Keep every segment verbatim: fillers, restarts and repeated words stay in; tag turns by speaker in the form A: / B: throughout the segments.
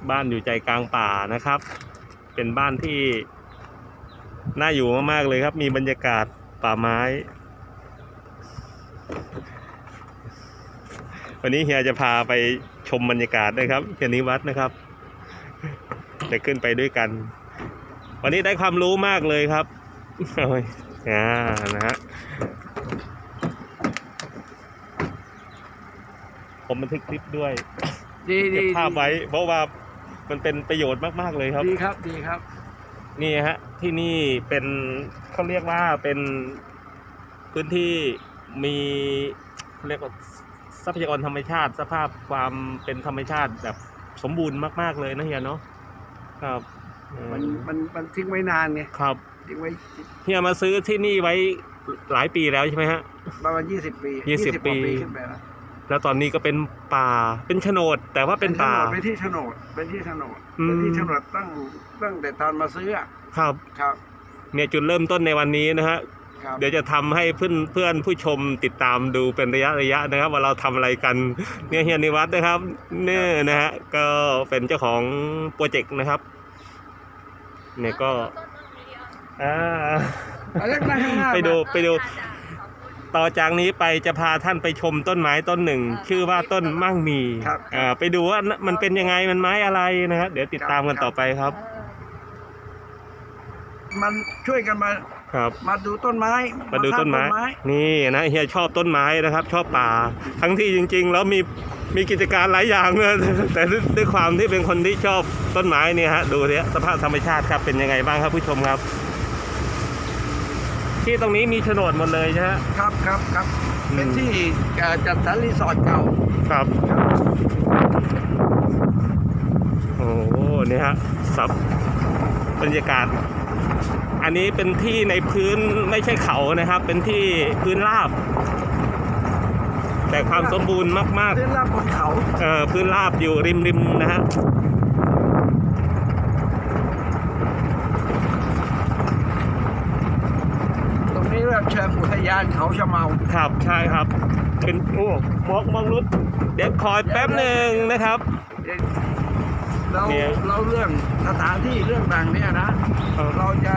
A: บ้านอยู่ใจกลางป่านะครับเป็นบ้านที่น่าอยู่มากๆเลยครับมีบรรยากาศป่าไม้วันนี้เฮียจะพาไปชมบรรยากาศด้วยครับเฮียนิวัฒน์นะครับจะขึ้นไปด้วยกันวันนี้ได้ความรู้มากเลยครับโอ้ยอ่านะฮะผมบันทึกคลิปด้วย
B: ดีดี
A: เก็บภาพไว้เพราะว่ามันเป็นประโยชน์มากๆเลยครับ
B: ดีครับดีครับ
A: นี่ฮะที่นี่เป็นเขาเรียกว่าเป็นพื้นที่มีเรียกว่าทรัพยากรธรรมชาติสภาพความเป็นธรรมชาติแบบสมบูรณ์มากๆเลยนะเฮียเนาะครับ
B: มันมันมันทิ้งไว้นานไง
A: ครับ
B: ทิ้งไว้
A: เฮียมาซื้อที่นี่ไว้หลายปีแล้วใช่ไหมฮะ
B: ประมาณยี่สิบปี
A: ยี่สิบปี
B: ขึ้นไปแล้ว
A: แล้วตอนนี้ก็เป็นป่าเป็นโฉนดแต่ว่าเป็นป่า
B: เป็นที่โฉนดเป็นที่โฉนดเป็นที่โฉนดตั้งตั้งแต่ตอนมาซื้อ
A: ครับ
B: ครับ
A: เนี่ยจุดเริ่มต้นในวันนี้นะฮะเดี๋ยวจะทำให้เพื่อนเพื่อนผู้ชมติดตามดูเป็นระยะระยะนะครับว่าเราทำอะไรกันเนี่ยเฮียนิวัฒน์นะครับเนี่ยนะฮะก็เป็นเจ้าของโปรเจกต์นะครับเนี่ยก็อ่าไปดูไปดูต่อจากนี้ไปจะพาท่านไปชมต้นไม้ต้นหนึ่งชื่อว่าต้นมั่งมีอ่าไปดูว่ามันเป็นยังไงมันไม้อะไรนะครับเดี๋ยวติดตามกันต่อไปครับ
B: มันช่วยกันมา
A: ครับ
B: มาดูต้นไม้
A: มาดูต้นไม้นี่นะเฮียชอบต้นไม้นะครับชอบป่าทั้งที่จริงๆแล้วมีมีกิจการหลายอย่างเลยแต่ด้วยความที่เป็นคนที่ชอบต้นไม้เนี่ยฮะดูเนี่ยสภาพธรรมชาติครับเป็นยังไงบ้างครับผู้ชมครับที่ตรงนี้มีโฉนดหมดเลยใช่ไหม
B: ครับครับครับเป็นที่จัดสรรรีสอร์ทเก่า
A: ครับโอ้โหนี่ฮะสับบรรยากาศอันนี้เป็นที่ในพื้นไม่ใช่เขานะครับเป็นที่พื้นราบแต่ความสมบูรณ์มากๆ
B: พื้นราบบนเขา
A: เออพื้นราบอยู่ริมริมนะฮะ
B: ตรงนี้เรียกเชิงอุทยานเขาชะเมา
A: ครับใช่ครับเป็นโอ้มองมองรุดเดี๋ยวคอยแป๊บหนึ่งนะครับ
B: เราเราเรื่องสถานที่เรื่องต่างเนี่ยนะเราจะ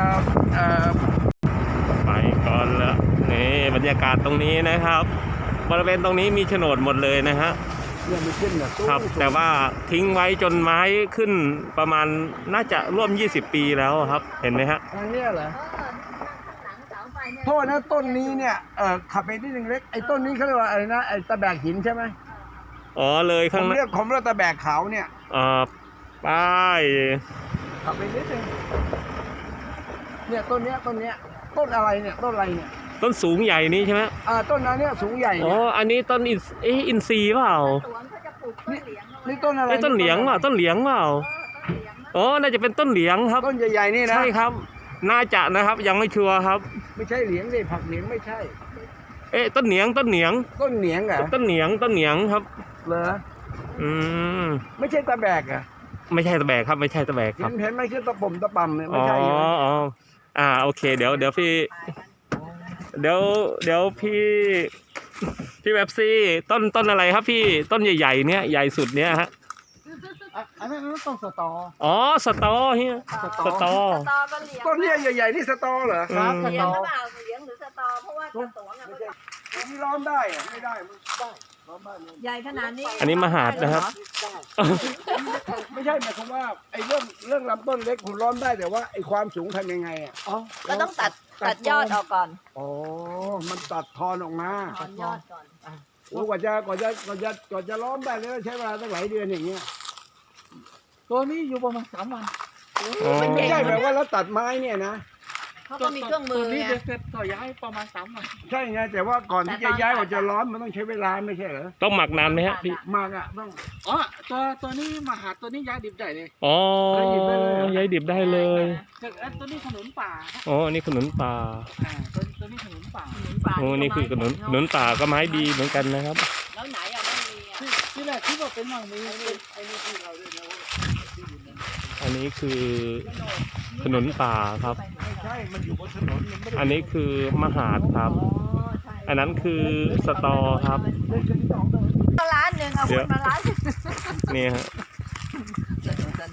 A: ไปก่อนละนี่บรรยากาศตรงนี้นะครับบริเวณตรงนี้มีโฉนดหมดเลยนะฮะครับแต่ว่าทิ้งไว้จนไม้ขึ้นประมาณน่าจะร่วมยี่สิบปีแล้วครับเห็นไหมฮะ
B: อันนี้เหรอโทษนะต้นนี้เนี่ยเอ่อขับไปนิดนึงเล็กไอ้ต้นนี้เขาเรียกว่าอะไรนะไอ้ตะแบกหินใช่ไหม
A: อ๋อเลยข้าง
B: ผมเรียกผมเรียกตะแบกเขาเนี่ย
A: อ่าป้าย
B: ขับไปนิดนึงเนี่ยต้นเนี้ยต้นเนี้ยต้นอะไรเนี่ยต้นอะไรเนี่ย
A: ต้นสูงใหญ่นี้ใช่ไหม
B: อ่าต้นนั้นเนี่ยสูงใหญ่
A: อ๋ออันนี้ต้นอินเออินทรีย์เปล่า
B: นี่ต้นอะไร
A: ต้นเหลียงเปล่าต้นเหลียงเปล่าอ๋อน่าจะเป็นต้นเหลียงครับ
B: ต้นใหญ่ๆนี่นะ
A: ใช่ครับน่าจะนะครับยังไม่ชัวร์ครับ
B: ไม่ใช่เหลียงสิผักเหลียงไม่ใช่
A: เอ๊ะต้นเหนียงต้นเหนียง
B: ต้นเหนียงเหรอ
A: ต้นเหนียงต้นเหนียงครับ
B: เหรอ
A: อืม
B: ไม่ใช่ตะแบกอ่ะ
A: ไม่ใช่ตะแบกครับไม่ใช่ตะแบกครับ
B: เห็นไหมคือตะปุ่มตะปั่มเนี่ยไม่ใช่
A: อ๋ออ๋ออ่าโอเคเดี๋ยวเดี๋ยวพี่เดี๋ยวเดี๋ยวพี่พี่แบบซี่ต้นต้นอะไรครับพี่ต้นใหญ่ๆเนี้ยใหญ่สุดเนี้ยฮะ
B: อันนั้นต้นสตอ
A: อ๋อสตอเฮียสตอ
B: ต้นเนี้ยใหญ่ๆนี่สตอเหรอ
C: ครับสตอเหลียงหรือสตอเพราะว่ากระตวงอ่ะ
B: นี่ร้อนได้อะไม่ได้มันได้
C: ใหญ่ขนาดนี้
A: อันนี้มหาดนะครับ
B: ไม่ใช่หมายความว่าไอ้เรื่องเรื่องลำต้นเล็กคุณร้อนได้แต่ว่าไอ้ความสูงทำยังไงอ่ะ
C: อ๋อก็ต้องตัดตัดยอดออกก่อน
B: อ๋อมันตัดทอนออกมา
C: ถอนยอดก่อน
B: โอ้กว่าจะกว่าจะกว่าจะกว่าจะล้อมได้แล้วใช้เวลาตั้งหลายเดือนอย่างเงี้ย
D: ตัวนี้อยู่ประมาณสามวัน
B: ไม่ใช่แบบว่าแล้วตัดไม้เนี่ยนะ
C: เขาก็มีเครื่องมือ
D: นี่เสร็จก็ย้ายประมาณสามวัน
B: ใช่ไงแต่ว่าก่อนที่จะย้ายกว่าจะร้อนมันต้องใช้เวลาไม่ใช่เหรอ
A: ต้องหมักนานไหมฮะพี่
B: หมักอ่ะต้อง
D: อ๋อตัวตัวนี้มาหาตัวนี้ย้ายดิบได้เลย
A: อ๋อย้ายดิบได้เลย
D: ตัวนี้ขนุนป่า
A: อ๋อนี่ขนุนป่า
D: อ่าตัวตัวนี้ขนุนป่า
A: โอ้นี่คือขนุนขนุนป่าก็ไม้ดีเหมือนกันนะครับ
C: แล้วไหนอ่ะไม่มีอ่ะ
D: ที่แรกที่ว่าเป็นมั่งมี
B: ไอ้นี่ที่เราเรียกว่า
A: อันนี้คือถนนป่าครับ
B: ไม่ใช่มันอยู่บนถนน
A: อันนี้คือมหาดครับอันนั้นคือสตอครับ
C: ร้านหนึ่งเอาคนมาร้าน
A: นี่ฮะ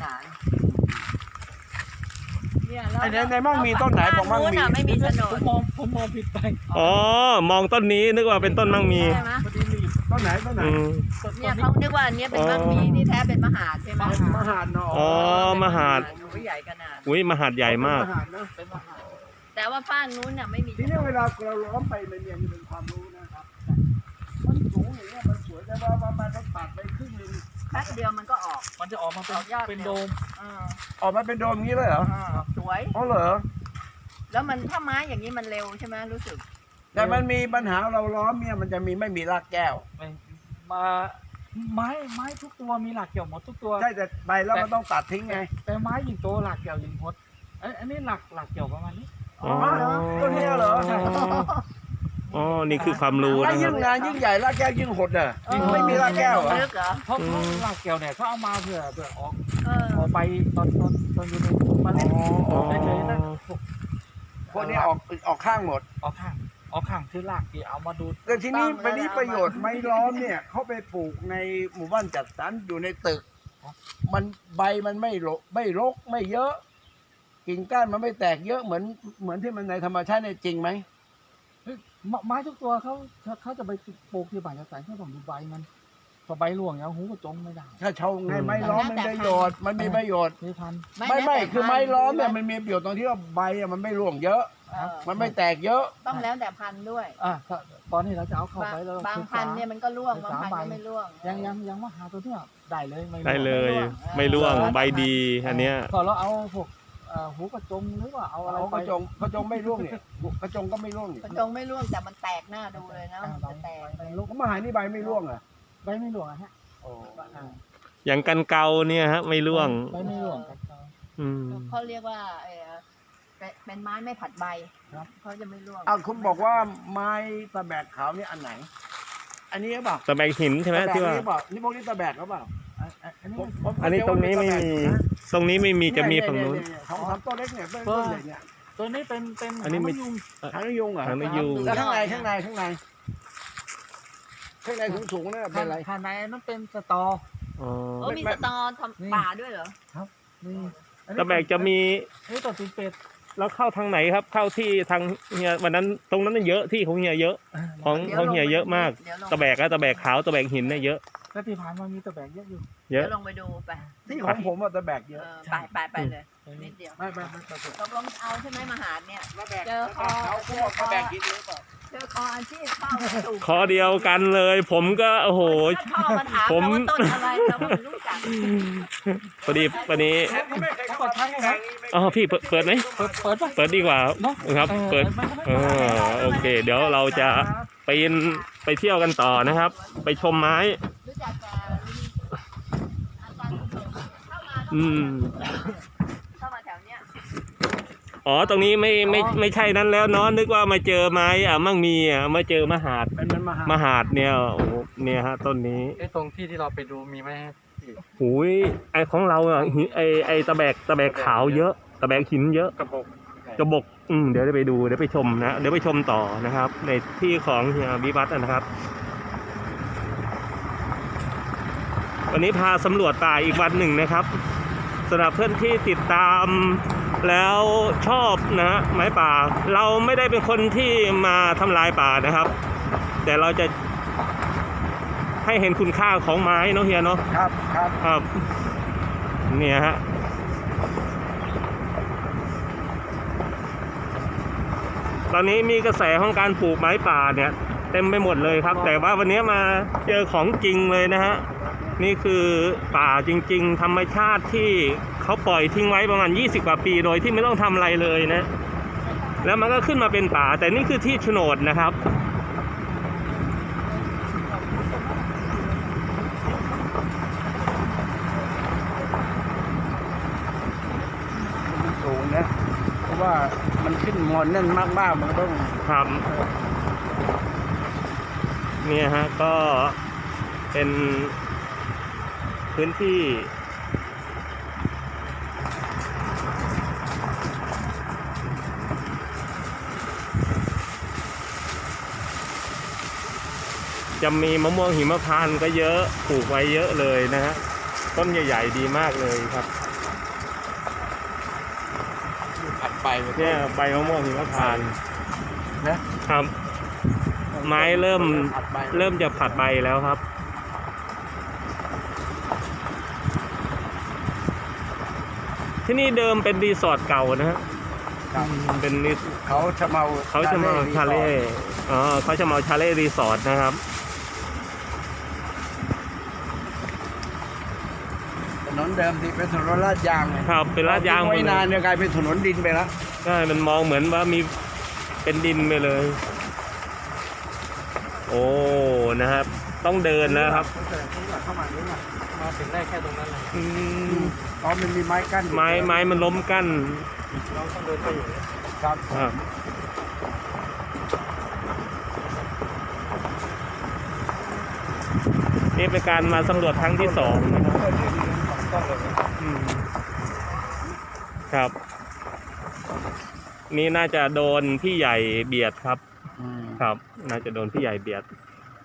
C: เนี่ยแล้ว
B: ไอ้ในในมั่งมีต้นไหนบอกมั่งมี
C: นู้นน่ะไม่มีโฉน
D: ผม
C: ด
D: มองผมมองผิดไป
A: อ๋อมองต้นนี้นึกว่าเป็นต้นมั่งมี
C: ใช่ไหม
D: พอดีรีบ
B: ต้นไหนต้นไหน
A: อืม
D: ต้น
C: เนี่ย
D: นี้
C: เขานึกว่าอันเนี้ยเป็นบ้านมีที่แท้เป็นมหาดใช่ไหม
B: มหาดเนาะ
A: อ๋อมหาด
C: โอ้ยใหญ่ขนาด
A: อุ้ยมหาดใหญ่มาก
B: มหาดนะ
D: เป็นมหา
C: แต่ว่าฝ้านนู้นน่ะไม่มี
B: ทีนี้เวลาเราล้อมไปมันเนี่ยมันเป็นความรู้นะครับมันสูงอย่างเงี้ยมันสวยแต่ว่าว่ามันต้องตัดไปครึ่งหนึง
C: แป๊บเดียวมันก็ออก
D: มันจะออกมาเป็น
C: ออกยอด
D: เป็นโดม
C: เออ
B: ออกมาเป็นโดมอย่างนี้เลยเหรอ
C: เออสวย
B: อ๋อเหรอ
C: แล้วมันถ้าไม้อย่างนี้มันเร็วใช่ไหมรู้สึก
B: แต่มันมีปัญหาเราล้อมเนี่ยมันจะมีไม่มีรากแก้ว
D: ไม่มาไม้ไม้ทุกตัวมีหลักเกี่ยวหมดทุกตัว
B: ใช่แต่ใบแล้วมันต้องตัดทิ้งไง
D: แต่ไม้ยิงโตหลักเกี่ยวยิงหดเอ้ยอันนี้หลักหลักเกี่ยวประมาณนี้
A: อ๋อ
B: ต้นนี้เหรอ
D: ใช่
A: อ๋อนี่คือความรู้
B: ถ้า
A: นะค
B: ยิ่
A: รับ
B: งนานยิ่งใหญ่รากแก้วยิ่งหดอ่ะ
C: เออ
B: ไม่มีรากแก้วเหรอ
C: ลึกเหรอ
D: เพราะ
A: อื
D: เพราะ
A: ม
D: หลักเกี่ยวเนี่ยเขาเอามาเพื่อเพื่อออก
C: เออ
D: ออกไปตอนตอนตอนอยู่ในเมล็ด
B: อ๋อ
D: เฉยๆนะพวก
B: พวกนี้ออกออกข้างหมด
D: ออกข้างออกข้างคือหลักที่เอามาดูด
B: แต่ทีนี้ไปนี้ประโยชน์ไม้ล้อมเนี่ยเขาไปปลูกในหมู่บ้านจัดสรรอยู่ในตึก มันใบมันไม่รกไม่รกไม่เยอะ กิ่งก้านมันไม่แตกเยอะเหมือนเหมือนที่มันในธรรมชาติเนี่ยจริงไหม
D: เฮ้ยไม้ไม้ทุกตัวเขาเขาเขาจะไปปลูกที่บ้านจัดสรรเขาต้องดูใบมันพอใบร่วงอย่างหูก็จงไม่ได้
B: ถ้าชาวไงไม้ล้อมมันประโยชน์มันมีประโยชน์
D: ที่พัน
B: ไม่ไม่
C: แล้วแต่
B: คือไม้ล้อมเนี่ย
C: พั
B: มัน นมีประโยชน์ตรงที่ว่าใบอะมันไม่ร่วงเยอะ
C: เออ
B: มันไม่แตกเยอะ
C: ต้องแล้วแต่พันธุ์ด้วย
D: อ่ะถ้าตอนนี้เราจะเอาเข้า
C: บาง
D: ไปแล้ว
C: บาง
D: ศึกษ
C: พันธุ์เนี่ยมันก็ร่วง
D: ศึ
C: บาก ง
D: ษา
C: พันธุ์
D: ใบ
C: ก็ไม่ร่วง
D: ยังยังยังว่าหาตัวเนี้ยได้เลยไม่รู้
A: ได้เลย ไม่ร่วงใบดีอันเนี้ย
D: พอเราเอาพวกเอ่อหูกระจงหรือว่าเอาอะไร
B: เอา
D: ไป
B: กระจงกระจงไม่ร่วงเนี่ยกระจงก็ไม่ร่วงเนี่ย
C: กระจงไม่ร่วงแต่มันแตกหน้าดูเลยนะ
D: อ่า
C: มัน
D: ใบ
C: จะแตก
D: ใบลูก
B: ผมมาหานี่ใบไม่ร่วงอ่ะ
D: ใบไม่หลวงอะฮะ
B: โอ้
D: อ่า
A: อย่างกันเกาเนี่ยฮะไม่ร่วง
D: ใบไม่หลวงกันเขา
A: อืม
C: เขาเรียกว่าเออเป็นเป็นไม้ไม่ผัดใบ
D: ครับ
C: เขาจะไม่ร่วง
B: อ้าวคุณบอกว่าไม้ตะแบกขาวนี่อันไหน อันนี้หรือเปล่า
A: ตะแบกหินใช่ไหม
B: ตะแบก
A: ที่ว่า
B: นี่หรือเปล่านี่พวกนี้ตะแบกหรือเปล่า
D: อ่ะอ่ะอันนี้
B: ผมผม
A: อันนี้ตรงนี้ไม่มี ตรงนี้ไม่มีจะมีฝั่งนู้น
B: เยเยเยสองสามต้นเล็กเนี่ยต้นต้นใหญ่เนี่ย
D: ตัวนี้เป็นเป็น
A: อันนี้ไม่
D: หางมะยุง
B: หางนกยุงเหรอ
A: หางนกยูง
B: แล้วข้างในข้างในข้างในข้างในสูงสูงๆเนี่ยเป็นอะไร
D: ภายในนั้นเป็นสตอ
A: อ๋อ
C: โอ้มีสตอทำป่าด้วยเหรอ
D: นี่อันนี้
A: ตะแบกจะมี
D: นี่ตัวตีนเป็ด
A: แล้วเข้าทางไหนครับ เข้าที่ทางเฮียวันนั้นตรงนั้นน่ะเยอะที่ของเฮียเยอะ ของ
C: เดี๋ยว
A: ของเฮีย
C: ลงไป
A: เยอะมาก
C: เดี๋ยวลง
A: ตะแบกอะตะแบกขาวตะแบกหินเนี่ยเยอะ
D: แล้วที่ผ่านมามีตะแบกเยอะอยู่
A: เย
C: เดี๋ย
A: อะ
C: วลงไปดูไป
B: ที่ของผมอะตะแบกเย
C: เอ
B: อะ
C: อไปไปไปเลยนิดเดียว
B: ไม่ไม่ไม่ตะแบก
C: ตกลงเอาใช่ไหมมหาดเนี่ย
B: ตะแบก
C: เจอคอ
B: เขาพวกตะแบกกินหรือเปล่า
C: เจอคออาชีพเข้ามาถูก
A: คอเดียวกันเลย ผมก็โอ้โห
C: ถ้าพ่อมาถาม
A: ผม
C: เราว่าต้นอะไรเราก็ไม่รู้จัก
A: พอดีวันนี้
B: ผมไม่เคยเข้ามาทางนี้
A: อ๋อพี่เปิดเปิดไหม
D: เปิดเปิดปะ
A: เปิดดีกว่า
D: เนาะ
A: ครับ เปิด เออโอเค เดี๋ยวเราจะไปไปเที่ยวกันต่อนะครับ ไปชมไม้
C: รู้จักแต่อาจารย์เข้ามา
A: อืม
C: เข้ามาแถวเนี้ย
A: อ๋อ ตรงนี้ไม่ไม่ไม่ใช่นั้นแล้วเนาะนึกว่ามาเจอไม้อ่ะมั่งมีอ่ะมาเจอมหาด
B: เป็นมันมหาม
A: หาดเนี่ยโอ้โหเนี่ยฮะต้นนี้
D: ไอ้ตรงที่ที่เราไปดูมีไหม
A: หูยไอของเราอ่ะหิไอไอตะแบกตะแบกขาวเยอะ ตะแบกหินเยอะ
D: กระบอก
A: กระบอกอืมเดี๋ยวได้ไปดูเดี๋ยวไปชมนะเดี๋ยวไปชมต่อนะครับ ในที่ของเฮียวิวัฒน์นะครับ วันนี้พาสำรวจป่าอีกวันหนึ่งนะครับสำหรับเพื่อนที่ติดตามแล้วชอบนะฮะไม้ป่า เราไม่ได้เป็นคนที่มาทำลายป่านะครับ แต่เราจะให้เห็นคุณค่าของไม้เนาะเฮียเนาะ
B: ครับครับ
A: ครับเนี่ยฮะตอนนี้มีกระแสของการปลูกไม้ป่าเนี่ยเต็มไปหมดเลยครับ แต่ว่าวันนี้มาเจอของจริงเลยนะฮะนี่คือป่าจริงๆ ธรรมชาติที่เขาปล่อยทิ้งไว้ประมาณยี่สิบกว่าปีโดยที่ไม่ต้องทำอะไรเลยนะแล้วมันก็ขึ้นมาเป็นป่า แต่นี่คือที่โฉนดนะครับ
B: มันสูงนะเพราะว่ามันขึ้นมอนแน่นมากๆมันก็ต้อง
A: ครับเนี่ยฮะก็เป็นพื้นที่จะมีมะม่วงหิมพานต์ก็เยอะปลูกไว้เยอะเลยนะฮะต้นใหญ่ๆดีมากเลยครับ
B: ใบ
A: เนี่ยใบมะม่วงหิมพานต์
B: นะครับ
A: ไม้เริ่ม
B: ผัดใบ
A: เริ่มจะผัดใบแล้วครับ ที่นี่เดิมเป็นรีสอร์ทเก่านะฮะ
B: ครับ
A: เป็นรี
B: เขาชะเมา
A: เขาจะมาชาเล่อ๋อเขาจะมาชาเล่รีสอร์ทนะครับ
B: ถนนเดิมที่เป็นถนนลาดยางไง
A: ครับเป็นลาดยางหมด
B: ไม่
A: เล
B: นาน
A: ย
B: เนี่ยกลายเป็นถนนดินไปแล้ว
A: ใช่มันมองเหมือนว่ามีเป็นดินไปเลย โอ้นะครับ ต้องเดินนะครับ
B: เข้ามานี่มา
D: มาถึงได้แค่ตรงนั้นเลย
A: อืม
B: อ๋อมันมีไม้กั้นอยู่
A: ไม้ไม้มันล้มกั้น
D: เราต้องเดินไปอยู่
B: ครับ
A: อ่ะนี่เป็นการมาสำรวจครั้งที่สองนะครับอืมครับ นี่น่าจะโดนพี่ใหญ่เบียดครับ
B: อืม
A: ครับ น่าจะโดนพี่ใหญ่เบียด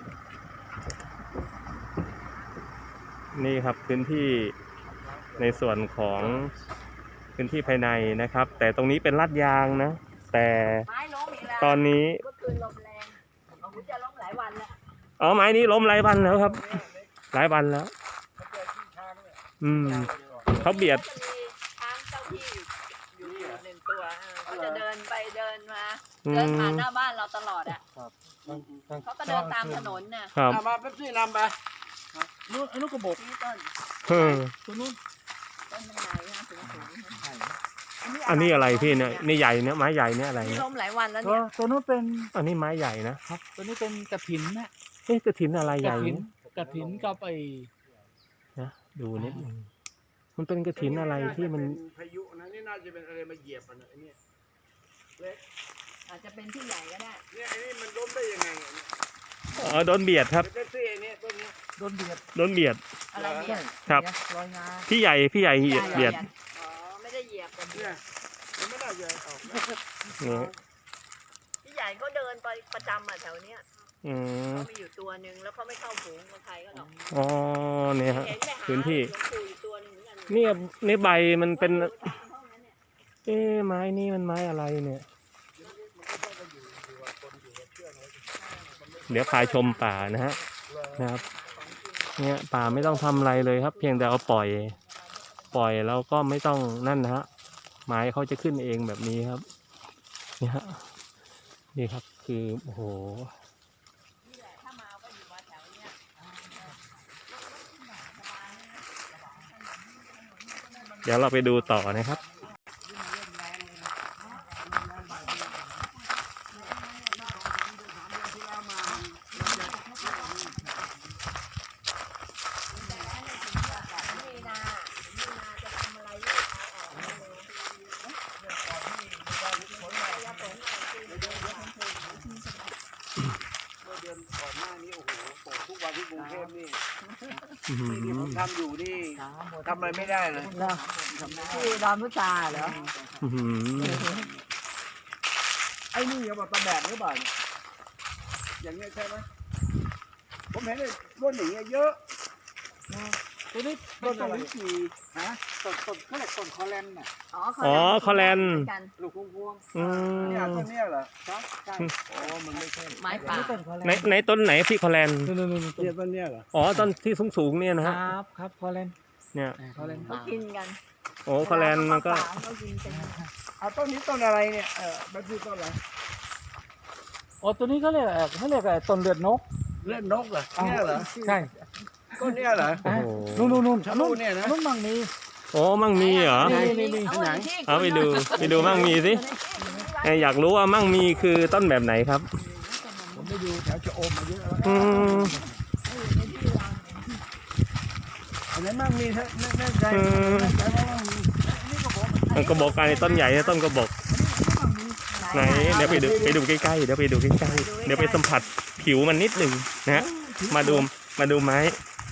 A: นี่ครับพื้นที่ในส่วนของพื้นที่ภายในนะครับ แต่ตรงนี้เป็นลาดยางนะ แต่
C: ไม้ล้มอีกแล้ว
A: ตอนนี้
C: เมื่อคืนลมแรงของคุณจะล้มหลายวันแล้ว
A: อ๋อไม้นี้ล้มหลายวันแล้วครับ หลายวันแล้ว อืมเขาเบียด
C: จะมีช้างเจ้าที่อยู่อยู่หนึ่งตัวเออเขาจะเดินไปเดินมา
A: อื
C: เดิน
A: ม
C: ผ่านหน้าบ้านเราตลอดอ่ะเขาก็เดินตามถนนน่ะ
A: ครับ
B: เอามาเป๊ปซี่นำไป
D: นู้นไอ้นู้นกระบอก
C: นี่ต้น
A: เออ
D: ตัวนู้น
C: ต้นมันใหญ่นะสูงสูงนะ
A: อันนี้อะไรพี่เนี่ยนี่ใหญ่เนี่ยไม้ใหญ่เนี่ยอะไร
C: นี่
A: เนี่ย
C: ล้มหลายวันแล้ว
D: ตัว
C: เนี่ย
D: ตัวนู้นเป็น
A: อันนี้ไม้ใหญ่นะครับ
D: ตัวนี้เป็นกระถินนะ
A: เอ๊ะกระถินอะไรให
D: กระ
A: ญ่
D: ถิน
A: เนี่ย
D: กระถินกับไอ้
A: นะดูนิดนึงมันเป็นกระถินอะไรที่มัน
B: เป็นพายุนะนี่น่าจะเป็นอะไรมาเหยียบอ่ะเนี่ยไอ้เนี่ยเล็ก
C: อาจจะเป็นที่ใหญ่ก็ได้
B: เนี่ยไอ้นี่มันล้มได้ยังไงเนี่ย
A: อ๋อโดนเบียดครับ
B: เป๊ปซี่ไอ้เนี่ยต้นเนี้ย
D: โดนเบียด
A: โดนเบียด
C: อะไรเนี่ย
A: ครับ
D: เนี่ยรอยงา
A: พี่ใหญ่พี่ใหญ่เหยียดเบียด
C: อ๋อไม่ได้เหยียบกัน
B: เนี่ยมันไม่น่าจะออกนะ
A: นี่
C: พี่ใหญ่ก็เดินไปประจำอ่ะแถวเนี้ย
A: อืม
C: เขามีอยู่ตัวหนึ่งแล้วเขาไม่เข้าฝูงกับใครก็หรอก
A: อ๋อเนี่ยฮะ
C: เห็นไปหา
A: พื้นที่
C: หลวงปู่อยู่ตัวหนึ่งเหมือนกัน
A: เนี่ยในใบมันเป็น
C: อยู่ตามห้องนั้นเนี่ย
A: เอ๊ะไม้นี่มันไม้อะไรเนี่ย เดี๋ยวพาชมป่านะฮะนะครับ เนี่ยป่าไม่ต้องทำอะไรเลยครับ เพียงแต่เอาปล่อย ปล่อยแล้วก็ไม่ต้องนั่นนะฮะไม้เขาจะขึ้นเองแบบนี้ครับเนี่ยฮะนี่ครับคือโอ้โห
C: นี่แหละถ้ามาก็อยู่มาแถวเนี้ย
A: เดี๋ยวเราไปดูต่อนะครับ
C: มีนามีนาจะทำอะไรลูกเอาออกมาเลยอย่าฝนหน่อยสิเดี๋ยวเดี๋ยวเดี๋ยวมันเคยอยู่ที่สมัย
B: เมื่อเดือนก่อนหน้านี้โอ้โหตกทุกวันที่กรุงเทพนี่
A: อื้อหื
B: ที่ผม
A: อ
B: ทำอยู่นี่ทำอะไรไม่ได้เลย
C: ที่ดอนพุชาเหรอ
A: อื้อหือ
B: ไอ้นี่เอามาตะแบกหรือเปล่าเนี่ยอย่างเงี้ยใช่ไหมผมเห็นเลยรุ่นอย่างเงี้ยเยอะ
D: ตัวนี้
B: ต้
D: เป็น
B: น
D: ต้
B: อะ
D: น
B: ไร
D: ลิ้นจี่ฮะต้นต้นเขาเรียกต้นคอแลนน่ะ
C: อ๋อ
A: อ๋อคอแลนด์
C: กัน
D: ลูกพวงพวง
A: อืม
B: เนี่ยต้นเนี้ยเหรอ
D: ครับใช่
B: โอ้มันไม่ใช่
C: ไม้ป่า
D: นี่ต้นคอแลน
A: ในในต้นไหนพี่คอแลนด์
D: นู่นนู่นนู่น
B: เนี่ยต้นเนี้ยเหรอ
A: อ๋อต้นที่สูงสูงๆเนี่ยนะ
D: ค
A: ฮะ
D: รับครับคอแลน
A: เนี่ย
D: คอแลน
C: เขากินกัน
A: โอ้คอแลนด์มันก็
C: เวลาเขากินเป็น
B: เอาต้นนี้ต้นอะไรเนี่ยเออมันคือต้นอะไร
D: อ๋อตัวนี้เขาเรียกเอ่อเขาเรียกอะไรต้นเลือดนก
B: เลือดนกเหรอเนี่ยเหรอ
D: ใช่
B: ต้นเนี้ยเหรอ
A: โอ้โห
D: นู่นนู่นนู่น
B: ชะลูดเนี่ยนะ
D: นู่นมั่งมี
A: โอ้มั่งมีเหรอ
D: นี่นี่นี่
C: เอาไว้ที่
A: เอาไปดูไปดูมั่งมีสิเอ้ยอยากรู้ว่ามั่งมีคือต้นแบบไหนครับ
B: ผมไปดูแถวชะอมมาเยอะแล้ว
A: อืม
B: อันนั้นมั่งมีเถอะแน่แน่ใจ
A: อืม
B: แน่ใจว่ามั่งมีนี่ก็บอก
A: มันกระบอกอะไรต้นใหญ่นะต้นกระบอกไหนเดี๋ยวไปดูไปดูใกล้ๆเดี๋ยวไปดูใกล้ๆเดี๋ยวไปสัมผัสผิวมันนิดหนึ่งนะฮะมาดูมาดูไม้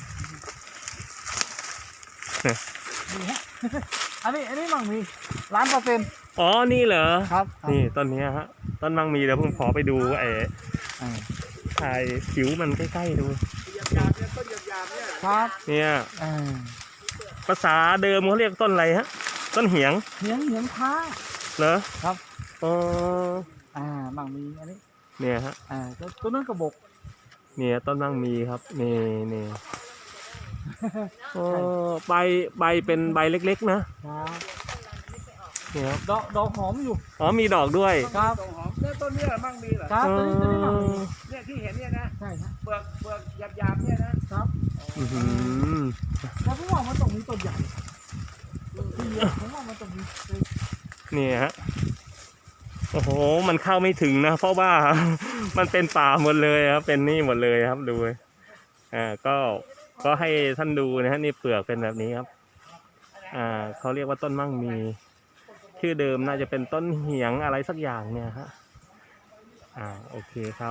D: อันนี้อันนี้มั่งมีล้านเปอร์เซ็นต์
A: อ๋อนี่เหรอ
D: ครับ
A: นี่ต้นเนี้ยฮะต้นมั่งมีเดี๋ยวผมขอไปดูไอ้
D: อ่า
A: ถ่ายผิวมันใกล้ๆดู
B: หยาบๆเนี่ยต้นหยาบๆเนี่ย
D: ครับ
A: เนี่ย
D: อ่า
A: ภาษาเดิมเขาเรียกต้นอะไรฮะต้นเหียง
D: เหนียงเหนียงพ้า
A: อเหรอ
D: ครับ
A: อ๋อ
D: อ่ามั่งมีอันนี้
A: เนี่ยฮะ
D: อ่าตัวตัวนั้นกระบอก
A: เนี่ยต้นมั่งมีครับนี่นี่โอ้ใบใบเป็นใบเล็กๆนะครับ เนี่ยครับ
D: ดอกดอกหอมอยู่
A: อ๋อมีดอกด้วย
D: ครับ
B: ต้นหอมเนี่ยต้นเนี้มั่งมีเหรอ
D: ครับตัวนี้ตัวนี้มั่งมี
B: เนี่ยที่เห็นเนี่ยนะ
D: ใช่ครับ
B: เปลือกเปลือกหยาบๆเนี่ยนะครับ
A: อื้อหือ
D: แล้วผมว่ามันต้องมีต้นใหญ่ที่เยอะผมว่ามันต้องมี
A: เนี่ยฮะโอ้โหมันเข้าไม่ถึงนะ เพราะว่า มันเป็นป่าหมดเลยครับ เป็นนี่หมดเลยครับดูอ่าก็ก็ให้ท่านดูนะฮะนี่เปลือกเป็นแบบนี้ครับ อ่าเขาเรียกว่าต้นมั่งมี ชื่อเดิมน่าจะเป็นต้นเหียงอะไรสักอย่างเนี่ยฮะอ่าโอเคครับ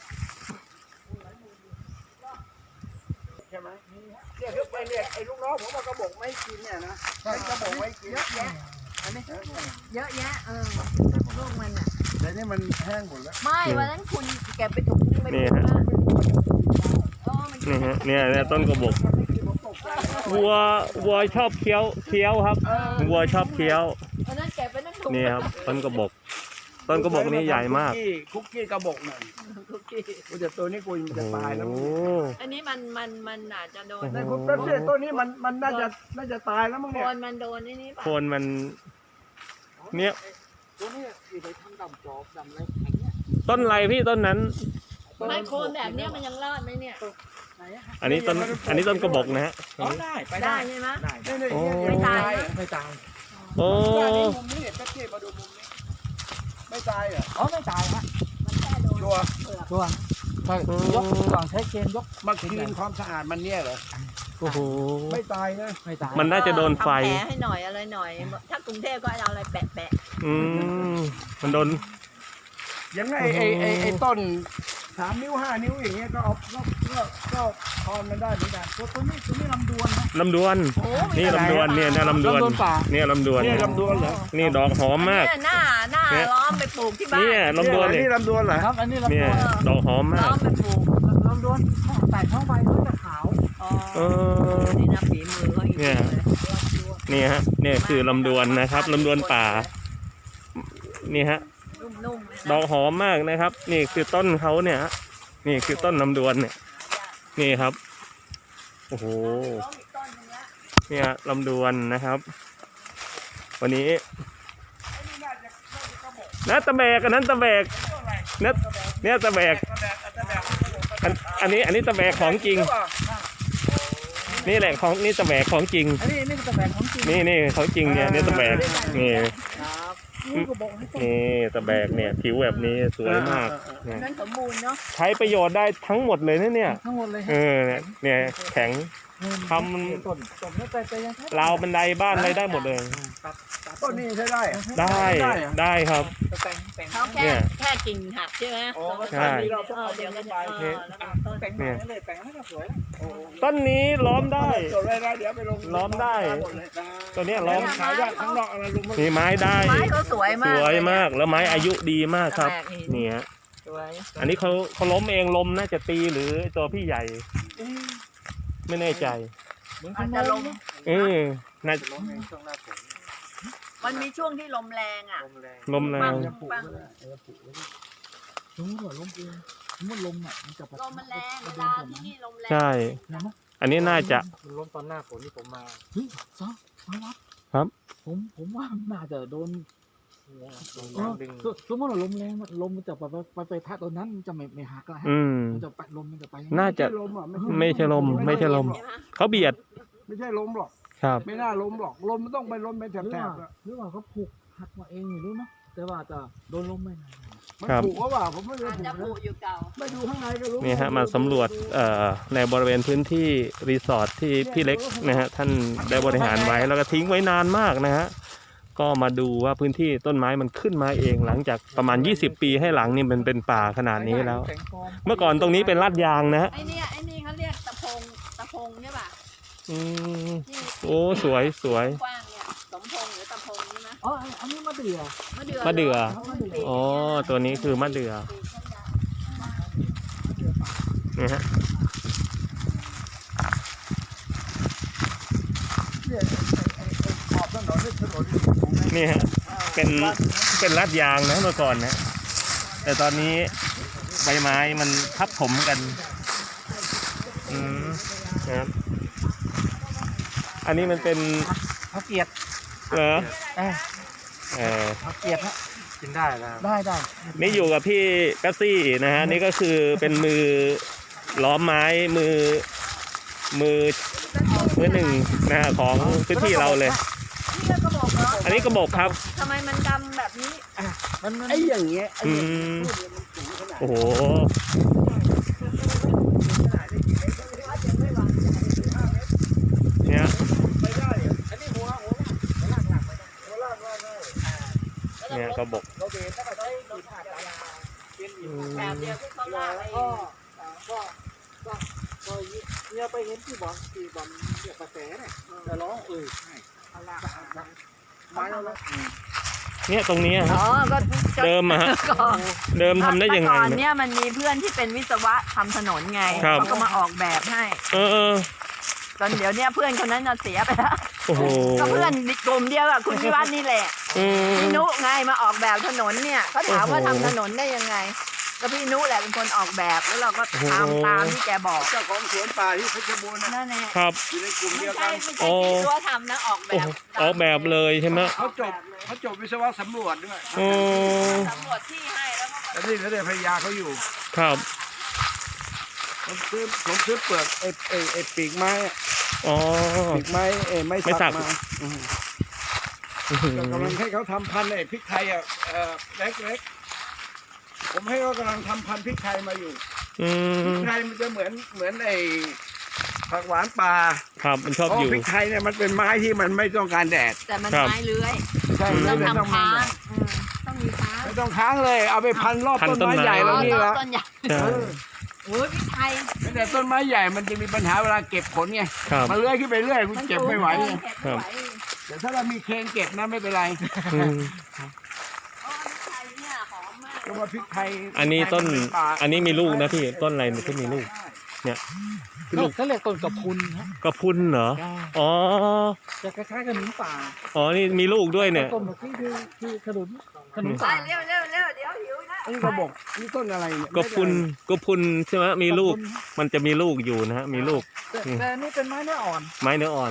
B: ใช่ไหมเนี่ยคือไปเนี่ยไอ้ลูกน้องผมเอากระบอกไม่กินเนี่ยนะใช้กระบอกไม่กิน
C: เยอะแยะอันนี้เยอะแยะเออลูกมันอ่ะ
B: แต่นี่มันแห้งหมดแล้ว
C: ไม่วันนั้นคุณเก็บไปถุงนึงไป
A: นี่
C: ถุง
A: ฮะ
C: ละเออมัน
A: นี่ฮะเนี่ยเนี่ยต้นกระบอก
B: มันไม่กินผมตกใจ
A: วัววัวชอบเคี้ยวเคี้ยวครับวัวชอบเคี้ยว
C: วันนั้นเก็บไปนั่งถุง
A: นี่ครับต้นกระบอก ต้นกระบอกนี้ใหญ่มาก
B: คุกกี้คุกกี้กระบอกหน่อย
C: คุกกี้
B: กูจะตัวนี้กูมันจะตายแล้ว
A: โอ้
C: อันนี้มันมันมันอาจจะโดน
B: ในคุณแป๊บเดียวตัวนี้มันมันน่าจะน่าจะตายแล้วมั้ง
C: โค
B: เนี่ย
C: นมันโดนนี่นี่ป่ะ
A: โคนมันเนี่ย
D: ตัวนี้ที่ไปทำดำจอบดำอะไรแข็งเนี่ย
A: ต้นอะไรพี่ต้นนั้น
C: ไม่โคนแบบเนี้ยมันยังรอดไหมเนี่ย
D: ไหนอะ
A: อันนี้ต้นอันนี้ต้นกระบอกนะฮะ
D: อ๋อได้ไป
C: ได้
D: ได้
C: ใช่ไหม
D: ได้
B: นี่นี่
A: โอ้
B: เนี่ย
C: ไม่ตาย
B: เหรอ
D: ไม่ตาย
A: โอ้
B: เนี่ยนี่มุมนี้แป๊บเดียวมาดูมุมนี้ไม่ตายเหรอ
D: อ๋อไม่ตายฮะ
C: มันแค่โดน
B: ชัวร์
C: เปลือก
D: ตัวใช่ยกก่อนใช้เกณฑ์ยก
B: มาคลีนความสะอาดมันเนี่ยเหรอ
A: โอ้โห
B: ไม่ตายนะ
D: ไม่ตาย
A: มันน่าจะโดนไฟ
C: ทำแผลให้หน่อยอะไรหน่อย ถ้ากรุงเทพก็เอาอะไรแปะแปะ
A: อืมมันโดน
B: ยังไงไอ้ไอ้ไอ้ต้นสามนิ้วห้านิ้วอย่างเงี้ยก็เอาก็ก็ก็ทอนมันได้เหมือนกัน
D: ตัวตัวนี้ตัวนี้ลำดวนนะ
A: ลำดวน
C: โอ้
A: นี่ลำดวนเนี่ยนะลำดวน
D: ลำดวนป่า
A: เนี่ยลำดวน
B: เนี่ยลำดวนเหรอ
A: นี่ดอกหอมมาก
C: เนี่ยหน้าหน้า
A: เนี่ย
C: ล้อมไปปลูกที่บ้าน
A: เนี่ยลำดวน
B: นี่
A: เนี่ย
B: ลำดวนเหรอ
D: ครับอันนี้ลำ
A: เนี่
D: ด
A: ย
D: วน
A: ดอกหอม
C: ล้
A: มา
C: อก มไปปลูก
D: ลำดวนแต่ท้องใบเขาจะขาว
C: อ๋อ
A: เออ
C: นี่นะฝีมือเขาอีก
A: เนี่ย
C: เลย
A: นี่ฮะเนี่ยคือลำดวนนะครับลำดวนป่านี่ฮะ
C: นุ่มๆเลยนะ
A: ดอกหอมมากนะครับ นี่คือต้นเขาเนี่ยฮะนี่คือต้นลำดวนเนี่ย นี่ครับโอ้โห
C: ล้มอีกต้นหนึงละ
A: เนี่ยลำดวนนะครับ วันนี้นะตะแบกอันนั้นตะแบกเนี่ยเนี่ยตะแบกอันอันนี้อันนี้ตะแบกของจริง นี่แหละของนี่ตะแบกของจริง
D: อันนี้นี่เป็นตะแบกของจริง
A: นี่นี่ของจริงเนี่ยนี่ตะแบกนี่
D: ครับนี่ก็บอกให้ต้น
A: นี่ตะแบกเนี่ยผิวแบบนี้สวยมากเนี่ย
C: นั้นสมบูรณ์เนาะ
A: ใช้ประโยชน์ได้ทั้งหมดเลยนะเนี่ย
D: ทั้งหมดเลย
A: เออเนี่ยเนี่ยแข็ง ทำ
D: ต้นต้นแล้วแต่แต่ยังใช้
A: ราวบันไดบ้านอะไรได้หมดเลย
D: ตัดตัด
B: ต้นนี้ใช้ได้เหรอ
A: ได้
B: ได้เหรอ
A: ได้ครับ
D: แต่งแต่ง
C: เขาแค่
A: เนี่ย
C: แค่กิ่งหักใช่ไหม
B: อ๋อ
A: ใช่
C: เออเดี๋ยวก็จะเออแล้วก็ต้น
D: แต่งมาเลยแต่งให้ก็สวยแล้ว
B: โอ้
A: ต้นนี้ล้อมได้
B: จดเลยนะเดี๋ยวไปลง
A: ล้อมได้
B: หมดเลย
A: ตัวเนี้ยล้อม
B: ขายยากข้างนอกอะไรลุงมัน
A: มีไม้ได้
C: ไม้เขาสวย
A: ส
C: มาก
A: วยมากแล้วไม้อายุดีมากครับ
C: แปลกดี
A: เนี่ย
C: สวย
A: อันนี้เขาเขาล้มเองลมน่าจะตีหรือตัวพี่ใหญ่ ไม่แน่ใจ
D: เหมือน
C: อาจ
D: น
C: จะลม
A: เออน่า
D: ล้มเองช่วงหน้าฝน
C: มันมีช่วงที่ลมแรงอ่ะ
D: ลมแรง
A: ลมแร
C: ปั
A: ง
C: งปัง
D: สมมติว่าลมเองสมมติลมอ่ะมันจะ
C: ลมมันแรงเวลาที่นี่ลมแรง
A: ใช่
D: เห็นไหม
A: อันนี้น่าจะ
D: ลมตอนหน้าฝนที่ผมมาเฮ้ยซอมาวัด
A: ครับ
D: ผมผมว่าน่าจะโดน
E: ลม
D: เออ
E: น้ำดึง
D: สสมมติว่าลมแรงมันลมมันจะไปไปไปไปพัดตอนนั้นมันจะไม่ไม่หักละฮะ
A: อืม
D: มันจะไปลมมันจะไป
A: น่าจะ
B: ไม่ใช่ลมอ่ะ
A: ไม่ใช่ลมไม่ใช่ลม
C: ใช่ไหม
A: เขาเบียด
B: ไม่ใช่ลมหรอก
A: ครับ
B: ไม่น่าลมหรอกลมมันต้องไปลมเป็น
D: หรือ
B: แถ
D: ว่า
B: บๆอะ
D: หรือว่าเขาผูกหักมาเองไม่รู้เนาะแต่ว่าจะโดนลมไม่นาน
B: มัน
A: ครับ
B: ผูกว่าว่าผมไม่ได้
C: อาจ
B: ผู
C: จะ
B: ก
C: ปลู
B: นะ
C: กอยู่เก่า
B: ไม่ดูข้างในก็รู้
A: นี่ฮะมาสำรวจเอ่อในบริเวณพื้นที่รีสอร์ทที่พี่เล็กนะฮะท่านได้บริหารไว้แล้วก็ทิ้งไว้นานมากนะฮะก็มาดูว่าพื้นที่ต้นไม้มันขึ้นมาเองหลังจากประมาณยี่สิบปีให้หลังนี่มันเป็นป่าขนาดนี้แล้ว
D: ต่งฟร์
A: เมื่อก่อนตรงนี้เป็นลาดยางนะฮะ
C: ไอ้เนี่ยไอ้นี่เขาเรียกตะพงตะพงใช่ป่ะ
A: อืม
C: ที่
A: โอ้สวยสวย
C: กว้างเนี่ยสมพงษ์หรือตะพงนี่นะ
D: อ๋ออันอันนี้มะเดื่อ
C: มะเดื่อ
A: มะเดื่อ
C: หรมันปีก
A: อ๋อตัวนี้คือมะเดื่อนี่ฮะ
B: เนี่ยไอ้ไอ้ไอ้ขอบถนนนี่ถนนอยู่ตรงนั้น
A: นี่ฮะ
C: เออ
A: เป็นเป็นลาดยางนะเมื่อก่อนนะแต่ตอนนี้ใบไม้มันทับถมกันอืมนะครับอันนี้มันเป็น
D: ผักเกียด
A: เหรอ
D: เออ
A: เออ
D: ผักเกียดฮะ
E: กินได้นะ
D: ได้ได้
A: นี่อยู่กับพี่กัสซี่นะฮะนี่ก็คือเป็นมือล้อมไม้มือมือมือหนึ่งนะฮะของพื้นที่เราเลย
C: นี่ก็บอกเหรอ
A: อันนี้กระบอกครับ
C: ทำไมมันดำแบบนี้
D: มันมัน
B: ไอ้อย่างเงี้ยไอ้
A: อื
B: อย่างเงี้ย
A: มโอ้โหเนี่ย
B: ไม่ได้อะอันนี้หัวหัวหน้าหัวลากหลักไปได้หัวลากลากได้
A: เนี่ยกระบอก
B: เราเบรกแล้วก็ใช้ดินผ่านยาเป็น
A: อื
B: อิฐ
A: ม
C: แบบเดียวที่เขาลากไอ้
D: ก็ก็ก็ก็เนี่ยไปเห็นที่บอลที่บอลเนี่ยกระแสเนี่ยแต่ร้องเออใช่ไม้แล้วแล้ว
A: เนี่ยตรงนี้
C: อ๋
A: ฮะ
C: อก็
A: เดิมอะฮะ
C: ก่อน
A: เดิมทำได้ยังไง
C: เมื่อก่อน
A: เนี่ย
C: เนี่ยมันมีเพื่อนที่เป็นวิศวะทำถนนไง
A: ครับ
C: เขาก็มาออกแบบให้
A: เออเออ
C: ตอนเดี๋ยวเนี้ยเพื่อนคนนั้นน่ะเสียไปแล้ว
A: โอ้โห
C: ก็เพื่อนกลุ่มเดียวกับคุณพิวัฒน์นี่แหละ
A: อืม
C: พี่นุไงมาออกแบบถนนเนี่ยเขาถามว่า
A: โอ้โห
C: ทำถนนได้ยังไง ก็พี่นุแหละเป็นคนออกแบบแล้วเราก็
A: โอ้โห
C: ทำตามที่แกบอก
B: เจ้าของสวนป่าที่เพชรบูรณ์นะ
C: นั่นแหละ
A: ครับ
B: อยู่ในกลุ่ม
C: ไม่
B: เดียว
C: ใช่
B: กัน
C: ไม่
A: โอ้
C: ใช่ที่ตัวทำนะออกแบ
A: โอ้
C: บ
A: โหออกแบบเลยใช่ไหม
B: เขาจบเขาจบวิศวะสำรวจด้วย
A: โอ้
C: สำรวจที่ให้แล้วก็
B: แต่นี่เขาได้ภรรยาเขาอยู่
A: ครับ
B: ผมซื้อผมซื้อเปลือกไอ้ไอ้ไอ้ปีกไม้อะ
A: อ๋อ
B: ปีกไม้ไอ้ไม้
A: ไม้สั
B: สั
A: ก
B: กมาอืม
A: อื้อหือ
B: ก็กำลังให้เขาทำพันธุ์ไอ้พริกไทยอ่ะเอ่อเล็กๆผมให้เขากำลังทำพันธุ์พริกไทยมาอยู่
A: อื
B: พริ
A: ม
B: กไทยมันจะเหมือนเหมือนไอ้ผักหวานป่า
A: ครับมันชอบ
B: เพราะ
A: อยู่
B: พริกไทยเนี่ยมันเป็นไม้ที่มันไม่ต้องการแดด
C: แต่มัน
A: ครับ
C: ไม้เลื้อย
B: ใช่
C: ต้อง
B: ไม่ต้อง
C: ทำ
B: มี
C: ค้าง
B: แดด
C: อืมต้องมีค้าง
B: ไม่ต้องค้างเลย เอาไปพันรอบ
A: พัน
B: ต้น
A: ต้น
B: ไม้
A: ไม้
B: ใหญ่
C: อ๋
B: แล้
C: อ
B: วนี่
C: ต้น
B: ละ
C: ต้นใหญ่
A: ใช่
C: โอ้ยพี่ไทย
B: แต่ต้นไม้ใหญ่มันจะมีปัญหาเวลาเก็บผลไง
A: ครับ
B: มันเลื้อยขึ้นไปเรื่อยคุณเก็บไม่ไหว
C: เก็
B: ไง
C: บไม่ไหว
B: แต่ถ้าเรามีเคนเก็บนะไม่เป็นไร
A: อืม
C: อ๋อพี่ไทยเนี่ยหอมมาก
B: ก็ว่าพริกไทย
A: อันนี้ต้น
B: พริกไทยมัเป็ป่า
A: อันนี้มีลูกนะพี่ต้นอะไรเนี่ยที่มีลูก เนี่ยลูก
D: เขาเรียกต้นกระพุนฮะ
A: กระพุนเหรออ๋อ
D: จะคล้ายๆกับหนุนป่า
A: อ๋อนี่มีลูกด้วยเนี่ย
D: ต้นแบบนี้คือคือขนุนขนุน
C: ไป
D: ป่า
C: เร็วเร็วเร็วเดี๋ยวหิวนะ
B: นี่ก็บอกนี่ต้นอะไรเนี่ย
A: กระพุนกระพุนใช่ไหมมีลูกมันจะมีลูกอยู่นะฮะมีลูก
D: แต่แต่อันนี่เป็นไม้เนื้ออ่อน
A: ไม้เนื้ออ่อน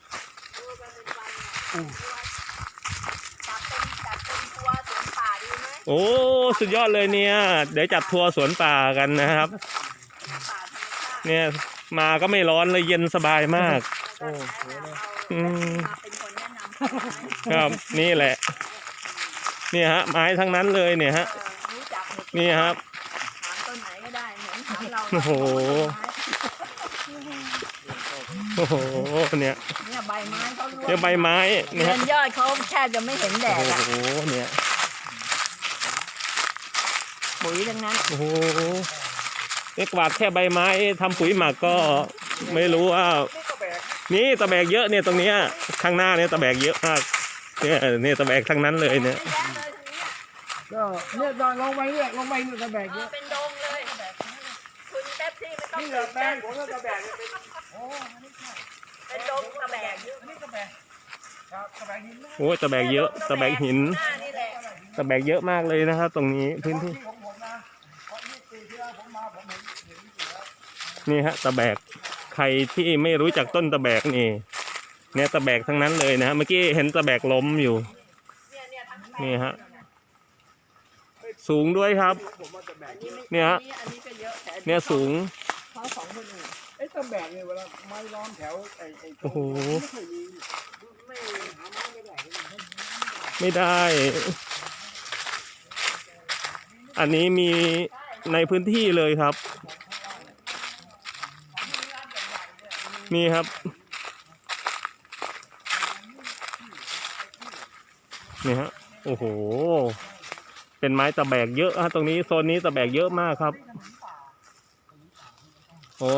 C: จับเป็นจับเป็นตัวสวนป่าดีไหม
A: โอ้สุดยอดเลยเนี่ย เดี๋ยวจัดทัวร์สวนป่ากันนะครับ
C: ป่าธรรมชาติ
A: เนี่ยมาก็ไม่ร้อนเลยเย็นสบายมาก
C: โอ้โหเอา
A: อืม
C: มาเป็นคนแนะนำ
A: ครับนี่แหละเนี่ยฮะไม้ทั้งนั้นเลยเนี่ยฮะ
C: เออรู้จักหมด
A: นี่ครับ
C: ถามต้นไหนก็ได้เหมือนถามเรา
A: โอ้โห โอ้โหเนี่ย
C: เนี่ยใบไม้เขาร่วง
A: เนี่ยใบไม้เนี่ย
C: เงิ
A: ฮะ
C: นยอดเขาแทบจะไม่เห็นแด
A: โอ้
C: ดอะ
A: โหเนี่ย
C: ปุ๋ยทั้งนั้น
A: โอ้โหเนี่ยกวาดแค่ใบไม้ทำปุ๋ยหมักก็ไม่รู้ว่านี่ตะแบกเยอะเนี่ยตรงเนี้ยข้างหน้าเนี่ยตะแบกเยอะมากเนี่ยเนี่ยตะแบกทั้งนั้นเลยเนี่ย
C: เยอะแยะเลยทีนี้
B: ก็เนี่ยลองไปเนี่ยลองไปเนี่ยตะแบก
C: เอ
B: เย
C: อ
B: อะ
C: เป็นดงเลยคุณแป๊บซี่ไม่ต้อง
B: นี่
C: ตื่
B: แบ
C: น
B: บแบ
C: เต้น
B: กผมก็ตะแบกเนี่ยเป็น
C: เป็นดงตะแบก
B: นี่ตะแบกครับตะแบกหินนะ
A: โอ้ยตะแบกเยอะตะแบกหิน
C: หน้านี่แหละ
A: ตะแบกเยอะมากเลยนะครับ ตรงนี้พื้นที่
B: ที่ของผมนะเพราะนี่ปีที่แล้วผมมาผมเห็นเห็นอยู่แล้ว
A: นี่ฮะตะแบกใครที่ไม่รู้จักต้นตะแบกนี่เนี่ยตะแบกทั้งนั้นเลยนะฮะเมื่อกี้เห็นตะแบกล้มอยู่
C: เนี่ยเนี่ยทั้งแปลง
A: นี่ฮะสูงด้วยครับ
B: ผมว่าตะแบก
C: อันนี้ไม่
A: เนี่ยฮะ
C: อันนี้ก็เยอะแต่อั
A: เนี่ยสูง
C: เขาของคนอื่น
B: ไอ้ตะแบกเนี่ยเวลาไม้ล้อมแถวไอ้ไอ้
A: โอ้โห
B: ไม่เคยมีไม่หาไม้ไม่ได้
A: ไม่ได้ อันนี้มีในพื้นที่เลยครับ นี่ครับ นี่ฮะ โอ้โห เป็นไม้ตะแบกเยอะฮะตรงนี้โซนนี้ตะแบกเยอะมากครับ โอ้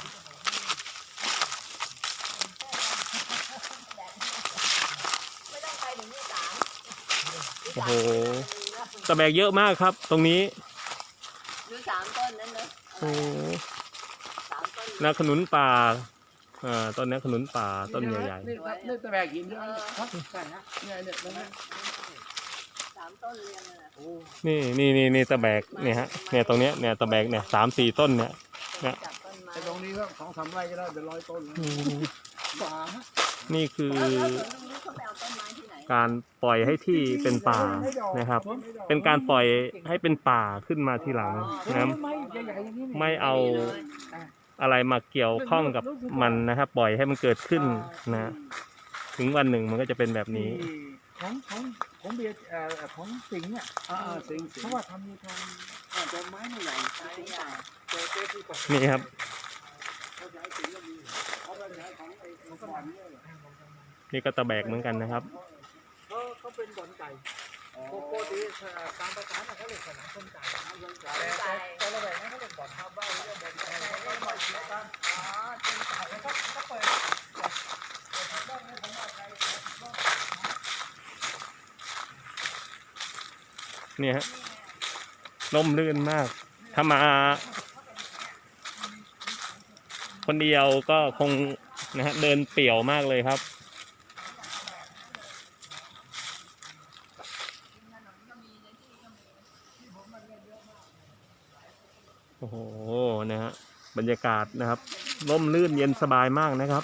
C: ไม่ต้องไปถึงที่สาม
A: โอ้โห ตะแบกเยอะมากครับ ตรงนี้
C: ดูสามต้นนั้นเนอะ
A: โอ้โห
C: สามต้น
A: นาขนุนป่า อ่า ต้นนี้ขนุนป่า ต้นใหญ่
B: นี่ครับนี่ตะแบกหินใช่ไหม
C: เออ
B: ครับใช่ฮะเนี่ยเนี่ยตรงนี้
A: ๆ
C: สามต้นเรียงเลยนะ
D: โอ้
A: นี่นี่นี่นี่ตะแบกเนี่ยฮะเนี่ยตรงเนี้ยเนี่ยตะแบกเนี่ยสามสี่ต้นเนี่ย เนี่ย
C: จับต้นไม้
B: ไอ้ตรงนี้ก็สองสามไร่ก็ได้เป็นร้อยต้นแล้ว
A: อืม
D: ฝา
A: นี่คือ
C: แล้วแล้วตรงนี้เขาไปเอาต้นไม้ที่ไหน
A: การปล่อยให้ที่เป็นป่านะครับ เป็นการปล่อยให้เป็นป่าขึ้นมาทีหลังนะ
D: ไม่ใหญ่ๆอย่างนี้นี่
A: ไม่เอาอะไรมาเกี่ยวข้องกับมันนะครับ ปล่อยให้มันเกิดขึ้นนะ ถึงวันหนึ่งมันก็จะเป็นแบบนี้
D: ที่ของของของเบียร์เอ่อของสิงห์เนี่ย
B: อ่าๆสิงสิง
D: เพราะว่าทำมีทำอ่าต้นไม้ไม่ใหญ่สิงห์ป่าเจอเจอที่ป่า
A: นี่ครับ
B: เขาใช้สิงก็มีเขาไปใช้ของไอ้ของสวรรค์เนี่ยเหรอ
A: นี่ก็ตะแบกเหมือนกันนะครับ
D: เขาเขาเป็นบ่อนไก่โกโก้ดีเอ่อตามภาษาเนี่ยเขาเรียกสนามชนไก่แต่แต่แต่ละแบบนั้นเขาเรียกบ่อนชาวบ้านเรียกบ่อนไก่เขาก็บ่อนเดียวกัน
C: อ๋อจริงจัง
D: แล้วก็ก็เปิด
A: เนี่ยฮะล่มลื่นมาก ถ้ามา คนเดียวก็คงนะฮะเดินเปี่ยวมากเลยครับ โอ้โห นะฮะ บรรยากาศนะครับ ร่มรื่นเย็นสบายมากนะครับ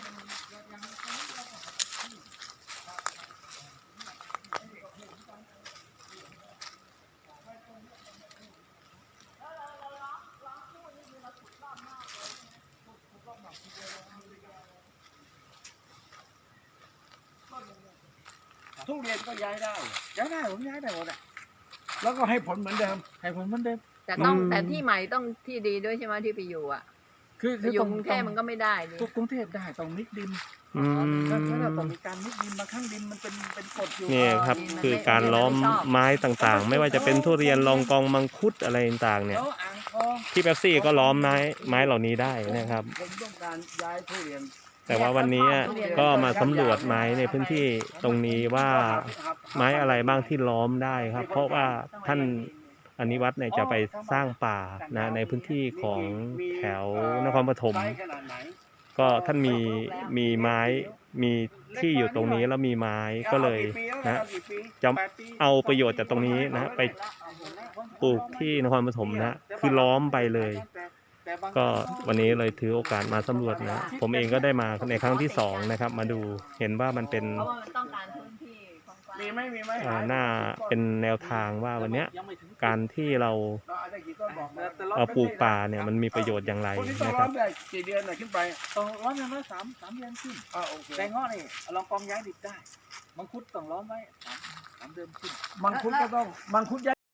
B: ทุเรียนก็ย้ายได้
D: ย้ายได้ผมย้ายได้หมดอ่ะ
B: แล้วก็ให้ผลเหมือนเดิม
D: ให้ผมมันเดิม
C: แต่ต้อง
A: อืม
C: แต่ที่ใหม่ต้องที่ดีด้วยใช่ไหมที่ไปอยู่อ่ะ
D: คือ
C: ไป
D: คือ
C: อยู่
D: ตรง
C: กรุงเทพมันก็ไม่ได้ดิ
D: ทุกกรุงเทพได้ต้องมิกดิน
A: อื
D: ถ้าถ้าเรา
A: ม
D: ต้องมีการมิกดินบางครั้งดินมันเป็นเป็นกรดอยู่
A: นี่ครับ คือการล้อมไม้ต่างๆ ไม่ว่าจะเป็นทุเรียนลองกองมังคุดอะไรต่างๆ เนี่ย
D: แล้วอ่างทอง
A: ที่เป๊ปซี่ก็ล้อมไม้ไม้เหล่านี้ได้นะครับ
B: ผมต้องการย้ายทุเรียน
A: แต่ว่าวันนี้ก็มาสำรวจไม้ในพื้นที่ตรงนี้ว่าไม้อะไรบ้างที่ล้อมได้ครับ เพราะว่าท่านอนิวัฒน์เนี่ยจะไปสร้างป่านะในพื้นที่ของแถวนครปฐม
B: ไซส์ขนาดไหน
A: ก็ท่านมีมีไม้มีที่อยู่ตรงนี้แล้วมีไม้ก็เลยนะ จะเอาประโยชน์จากตรงนี้นะไปปลูกที่นครปฐมนะคือล้อมไปเลย ก็วันนี้เลยถือโอกาสมาสำรวจนะ ผมเองก็ได้มาในครั้งที่สองนะครับ มาดูเห็นว่ามันเป็น
C: เพราะว่ามันต้องการพื้นที่กว้างๆ
B: มีไหมมีไหม
A: อ่าหน้าเป็นแนวทางว่าวันเนี้ย
D: ยังไม่ถึง
A: การที่เรา
B: เราอาจจะกี่ต้นบอกมา
D: แต่เรา
A: เอาปลูกป่าเนี่ยมันมีประโยชน์อย่างไร
B: คนที่ต้อง
A: นะค
B: ร้อ
A: รับ
B: มได้กี่เดือนน่ะขึ้นไป
D: ต้องร้อนอย่างน้อยสามสามเดือนขึ้น
B: อ่าโอเค
D: แต่เงาะนี่ลองกองย้ายดิบได้มังคุดต้องล้อมไว้สามสามเดือนขึ้น
B: มังคุดก็ต้องมังคุด